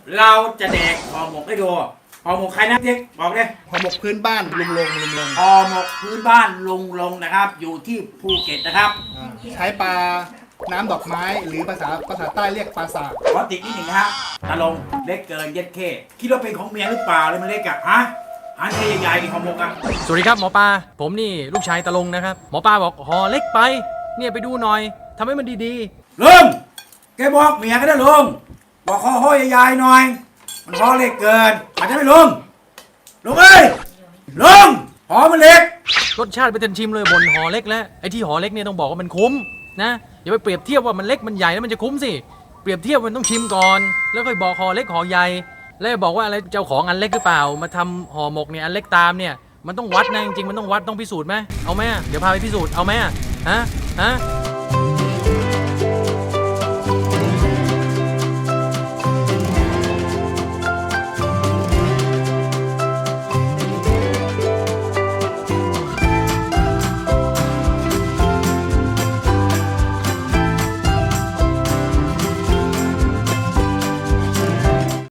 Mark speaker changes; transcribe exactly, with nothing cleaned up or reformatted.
Speaker 1: เราจะแดกห่อหมกให้ดูห่อหมกใครนะเจ๊บอกเลย
Speaker 2: ห่อหมกพื้นบ้านลุงลงลุงลง
Speaker 1: ห่อหมกพื้นบ้านลุงลงนะครับ อยู่ที่ภูเก็ตนะครับ
Speaker 2: อ่าใช้ปลาน้ำดอกไม้หรือภาษาภาษาใต้เรียกปลาสาก
Speaker 1: ขอติดนิดหนึ่งนะฮะตาลงเล็กเกินเย็ดเข้คิดว่าเป็นของเมียหรือเปล่าเลยมันเล็กอะฮะอันนี้ใหญ่ๆนี่ห่อหมกอะ
Speaker 3: สวัสดีครับหมอปลาผมนี่ลูกชายตะลงนะครับหมอปลาบอกห่อเล็กไปเนี่ยไปดูหน่อยทำให้มันดี
Speaker 1: ลุงแกบอกเมียก็ได้ลุงบอกห่อห่อใหญ่ๆหน่อย มันห่อเล็กเกินอาจจะไม่ลุงลุงเอ้ยลุงห่อมันเล็ก
Speaker 3: ๆรสชาติไปเต็มชิมเลยบนห่อเล็กแล้วไอ้ที่ห่อเล็กเนี่ยต้องบอกว่ามันคุ้มนะอย่าไปเปรียบเทียบว่ามันเล็กมันใหญ่แล้วมันจะคุ้มสิเปรียบเทียบมันต้องชิมก่อนแล้วค่อยบอกห่อเล็กห่อใหญ่แล้วบอกว่าอะไรเจ้าของอันเล็กหรือเปล่ามาทำห่อหมกเนี่ยอันเล็กตามเนี่ยมันต้องวัดนะจริงๆมันต้องวัดต้องพิสูจน์ไหมเอาไหมเดี๋ยวพาไปพิสูจน์เอาไหมฮะฮะ